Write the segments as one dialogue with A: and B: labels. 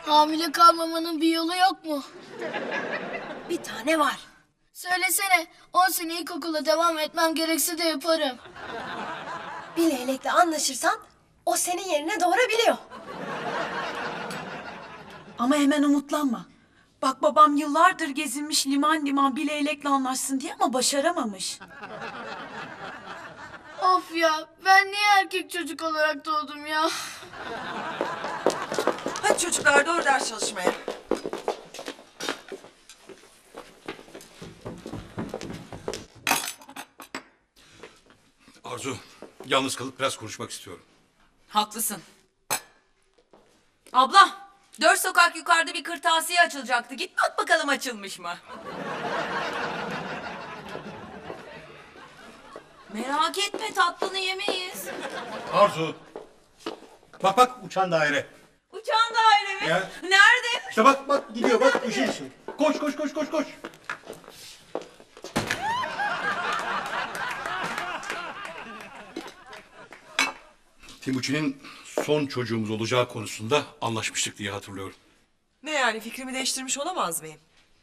A: Hamile kalmamanın bir yolu yok mu?
B: Bir tane var.
A: Söylesene, 10 sene ilkokula devam etmem gerekse de yaparım.
B: Bir leylekle anlaşırsan o senin yerine doğurabiliyor.
C: Ama hemen umutlanma. Bak babam yıllardır gezinmiş liman liman bir leylekle anlaşsın diye ama başaramamış.
A: Of ya, ben niye erkek çocuk olarak doğdum ya?
D: Hadi çocuklar doğru ders çalışmaya.
E: Arzu, yalnız kalıp biraz konuşmak istiyorum.
F: Haklısın. Abla, 4 sokak yukarıda bir kırtasiye açılacaktı. Git bak bakalım açılmış mı? Merak etme, tatlını yemeyiz.
E: Arzu! Bak bak uçan daire.
F: Uçan daire mi?
E: Ya.
F: Nerede?
E: İşte bak gidiyor bak ışın ışın. Koş koş koş koş koş. Timuçin'in son çocuğumuz olacağı konusunda anlaşmıştık diye hatırlıyorum.
D: Ne yani fikrimi değiştirmiş olamaz mıyım?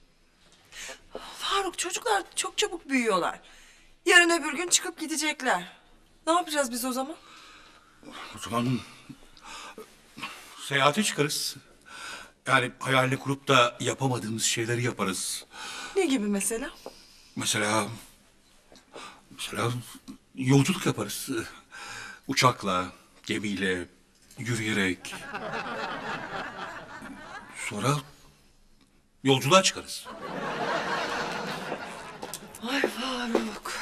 D: Faruk çocuklar çok çabuk büyüyorlar. Yarın öbür gün çıkıp gidecekler. Ne yapacağız biz o zaman?
E: O zaman seyahate çıkarız. Yani hayalini kurup da yapamadığımız şeyleri yaparız.
D: Ne gibi mesela?
E: Mesela yolculuk yaparız. Uçakla, gemiyle, yürüyerek. Sonra yolculuğa çıkarız.
D: Ay Faruk.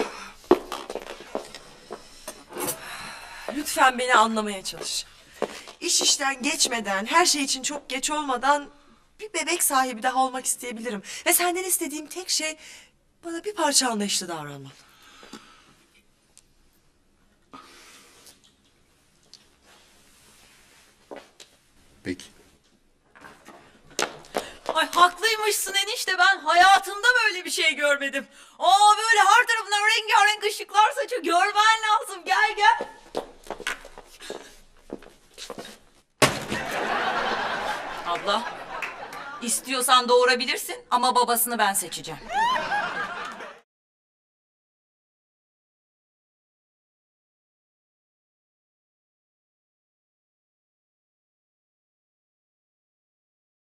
D: Lütfen beni anlamaya çalış. İş işten geçmeden, her şey için çok geç olmadan bir bebek sahibi daha olmak isteyebilirim. Ve senden istediğim tek şey bana bir parça anlayışlı davranman.
E: Peki.
F: Ay haklıymışsın enişte, ben hayatımda böyle bir şey görmedim. Böyle her tarafından rengarenk ışıklar saçıyor. Görmen lazım, gel gel. Abla, istiyorsan doğurabilirsin ama babasını ben seçeceğim.